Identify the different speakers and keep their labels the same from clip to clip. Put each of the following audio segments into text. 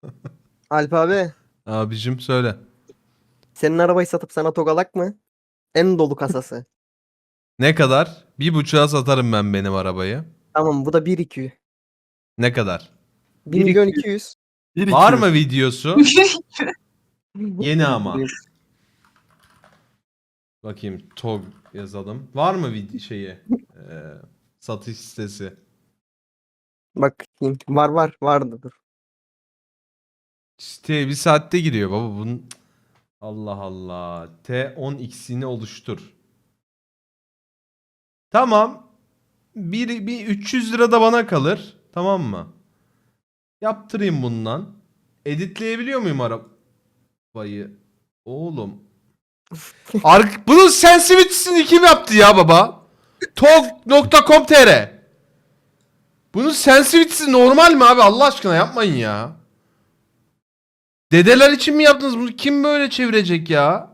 Speaker 1: Alp abi,
Speaker 2: Abicim söyle.
Speaker 1: senin arabayı satıp sana togalak mı? En dolu kasası.
Speaker 2: Ne kadar? 1,5'a satarım ben benim arabayı.
Speaker 1: Tamam, bu da 1-2.
Speaker 2: Ne kadar?
Speaker 1: 1 milyon 200.
Speaker 2: Var mı videosu? Yeni ama. Bakayım TOG yazalım. Var mı satış sitesi?
Speaker 1: Bakayım. Var vardı dur.
Speaker 2: Siteye bir saatte giriyor baba bunun. Allah Allah. T10x'ini oluştur. Tamam. Bir 300 lira da bana kalır. Tamam mı? Yaptırayım bundan. Editleyebiliyor muyum arabayı? Oğlum. Bunun sensitivity'sini kim yaptı ya baba? Tog.com.tr Bunun sensitivity'si normal mi abi? Allah aşkına yapmayın ya. Dedeler için mi yaptınız bunu? Kim böyle çevirecek ya?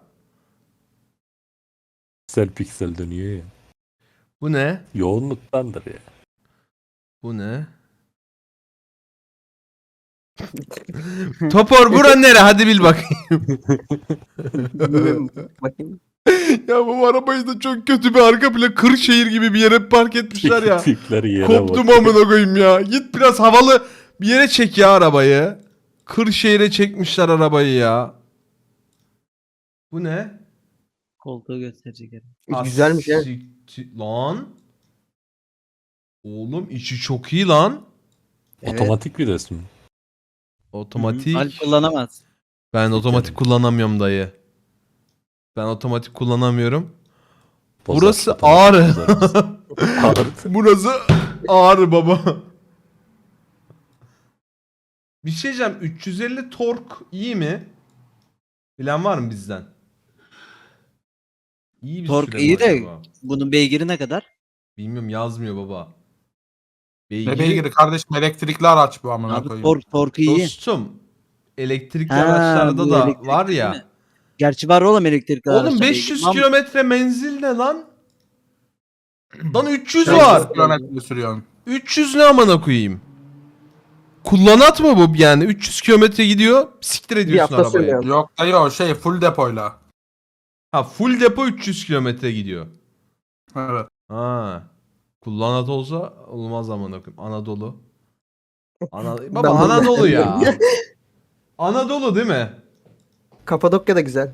Speaker 3: Piksel piksel dönüyor ya.
Speaker 2: Bu ne?
Speaker 3: Yoğunluktandır ya.
Speaker 2: Bu ne? Topor bura nere? Hadi bil bakayım.
Speaker 1: Bilmiyorum, bakayım.
Speaker 2: Ya bu arabayı da çok kötü bir arka plan Kırşehir gibi bir yere park etmişler ya.
Speaker 3: Tipleri yere
Speaker 2: Koptum
Speaker 3: bak.
Speaker 2: amına koyayım ya. Git biraz havalı bir yere çek ya arabayı. Kırşehir'e çekmişler arabayı ya. Bu ne?
Speaker 4: Koltuğu gösterecek herhalde.
Speaker 1: Güzelmiş ya.
Speaker 2: Lan. Oğlum içi çok iyi lan.
Speaker 4: Evet.
Speaker 3: Otomatik bir resmi.
Speaker 2: Otomatik.
Speaker 4: Alp kullanamaz.
Speaker 2: Ben otomatik kullanamıyorum dayı. Ben otomatik kullanamıyorum. Burası
Speaker 3: Otomatik
Speaker 2: Ağrı.
Speaker 3: bozar. Ağrı.
Speaker 2: Burası Ağrı baba. Bir şey diyeceğim. 350 tork iyi mi? Bilen var mı bizden? İyi bir
Speaker 4: Tork
Speaker 2: süre mi
Speaker 4: iyi de
Speaker 2: acaba?
Speaker 4: bunun beygiri ne kadar?
Speaker 2: Bilmiyorum yazmıyor baba.
Speaker 5: Ne beygiri kardeşim, elektrikli araç bu amına
Speaker 4: Abi
Speaker 5: koyayım.
Speaker 4: torku iyi.
Speaker 2: Dostum. Elektrikli
Speaker 4: Ha,
Speaker 2: araçlarda
Speaker 4: bu
Speaker 2: da
Speaker 4: elektrikli
Speaker 2: var
Speaker 4: değil
Speaker 2: ya.
Speaker 4: mi? Gerçi var oğlum elektrikli
Speaker 2: Oğlum
Speaker 4: araçta
Speaker 2: 500
Speaker 4: beygir.
Speaker 2: kilometre menzil ne lan? Lan 300
Speaker 5: Sen
Speaker 2: var.
Speaker 5: 100 kilometre sürüyorsun.
Speaker 2: 300 ne amına koyayım? Kullanat mı bu yani? 300 kilometre gidiyor. Siktir ediyorsun
Speaker 1: hafta
Speaker 2: arabayı.
Speaker 1: sürüyor.
Speaker 5: Yok dayı, o şey full depoyla.
Speaker 2: Ha full depo 300 kilometre gidiyor.
Speaker 5: Evet.
Speaker 2: Ha. Kullanat olsa olmaz amına koyayım. Anadolu. Baba
Speaker 1: Ben bunu
Speaker 2: Anadolu ya.
Speaker 1: beğendim.
Speaker 2: Anadolu değil mi?
Speaker 1: Kapadokya da güzel.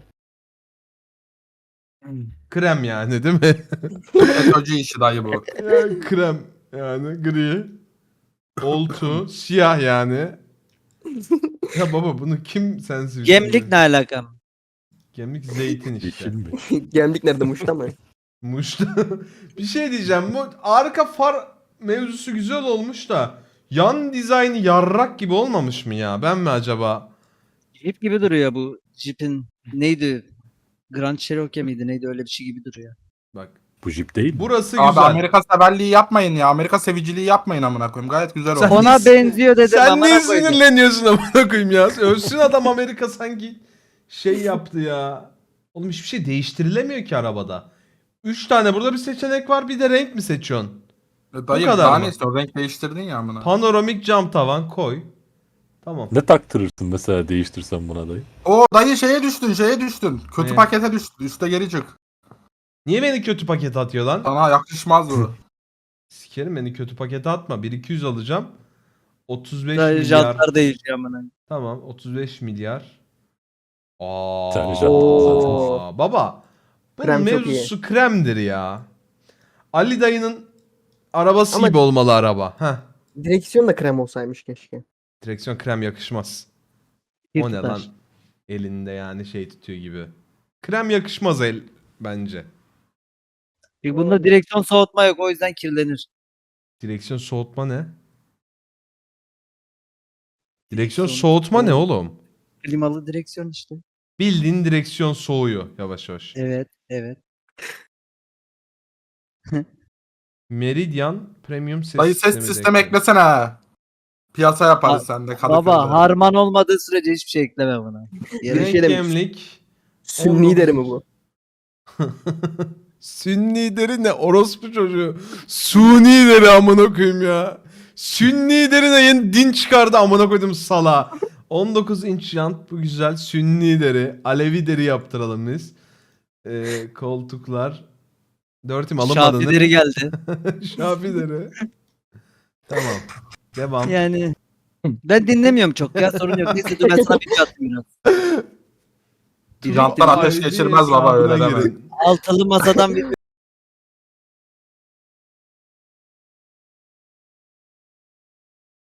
Speaker 2: Krem yani değil mi?
Speaker 5: FETÖ'cü işi dayı bu.
Speaker 2: Ya, krem yani gri. Oltu. Siyah yani. Ya baba bunu kim sensiz?
Speaker 4: Gemlik ne alaka?
Speaker 2: Gemlik zeytin
Speaker 3: Yeşil
Speaker 2: işte.
Speaker 3: mi?
Speaker 1: Gemlik nerede, Muş'ta mı?
Speaker 2: Muş'ta. Bir şey diyeceğim. Bu arka far mevzusu güzel olmuş da yan dizaynı yarrak gibi olmamış mı ya? Ben mi acaba?
Speaker 4: Jeep gibi duruyor bu. Jeep'in neydi? Grand Cherokee miydi? Neydi, öyle bir şey gibi duruyor.
Speaker 2: Bak.
Speaker 3: Bu jip değil mi?
Speaker 2: Burası
Speaker 5: Abi
Speaker 2: güzel.
Speaker 5: Amerika severliği yapmayın ya. Amerika seviciliği yapmayın amına koyayım. Gayet güzel
Speaker 2: Sen-
Speaker 5: oldu.
Speaker 4: Ona benziyor dedim.
Speaker 2: Sen
Speaker 4: amına
Speaker 2: niye
Speaker 4: koydum.
Speaker 2: sinirleniyorsun amına koyayım ya? Ölsün adam, Amerika sanki şey yaptı ya. Oğlum hiçbir şey değiştirilemiyor ki arabada. 3 tane burada bir seçenek var, bir de renk mi seçiyorsun?
Speaker 5: Dayı
Speaker 2: kadar
Speaker 5: daha
Speaker 2: mı?
Speaker 5: ne istiyorsun? Renk değiştirdin ya amına.
Speaker 2: Panoramik cam tavan koy. Tamam.
Speaker 3: Ne taktırırsın mesela değiştirsen buna dayı?
Speaker 5: O dayı şeye düştün. Kötü
Speaker 2: Ne?
Speaker 5: pakete düştün. Üste geri çık.
Speaker 2: Niye beni kötü pakete atıyor lan?
Speaker 5: Sana yakışmaz bu.
Speaker 2: Sikerim, beni kötü pakete atma. 1-200 alacağım. 35
Speaker 4: Sadece
Speaker 2: milyar.
Speaker 4: Jantlar değişiyor amına.
Speaker 2: Tamam 35 milyar.
Speaker 3: Tane jant
Speaker 1: Oo.
Speaker 2: Baba. Bunun
Speaker 1: Krem çok
Speaker 2: mevzusu kremdir ya. Ali dayının arabası
Speaker 1: Ama-
Speaker 2: gibi olmalı araba. Heh.
Speaker 1: Direksiyon da krem olsaymış keşke.
Speaker 2: Direksiyon krem yakışmaz.
Speaker 4: Bir
Speaker 2: O ne
Speaker 4: tutar.
Speaker 2: lan? Elinde yani şey tutuyor gibi. Krem yakışmaz bence.
Speaker 4: Çünkü bunda direksiyon soğutma yok, o yüzden kirlenir.
Speaker 2: Direksiyon soğutma ne? Direksiyon soğutma ne oğlum?
Speaker 4: Klimalı direksiyon işte.
Speaker 2: Bildiğin direksiyon soğuyor yavaş yavaş.
Speaker 4: Evet, evet.
Speaker 2: Meridian Premium ses
Speaker 5: Dayı ses
Speaker 2: sistemi
Speaker 5: sistemi
Speaker 2: ekle.
Speaker 5: eklesene. Piyasa yaparız sende Kadıköy'de.
Speaker 4: Baba harman olmadığı sürece hiçbir şey ekleme buna.
Speaker 1: Bir
Speaker 2: Renk
Speaker 1: şey demiş.
Speaker 2: gemlik.
Speaker 1: Sünni deri mi bu?
Speaker 2: Sünni deri ne? Orospu çocuğu. Suni deri amına koyayım ya. Sünni deri ne? Yeni din çıkardı amına koydum sala. 19 inç jant, bu güzel. Sünni deri, Alevi deri yaptıralım biz. Koltuklar. 4'üm alınmadın
Speaker 4: Şafileri geldi.
Speaker 2: Şafi deri. Tamam. Devam.
Speaker 4: Yani ben dinlemiyorum çok ya, sorun yok. Neyse dur ben sana bir atayım biraz.
Speaker 5: Jantlar ateş
Speaker 2: ID
Speaker 5: geçirmez baba, öyle
Speaker 2: hesabına
Speaker 5: deme.
Speaker 2: girin.
Speaker 4: Altılı masadan bir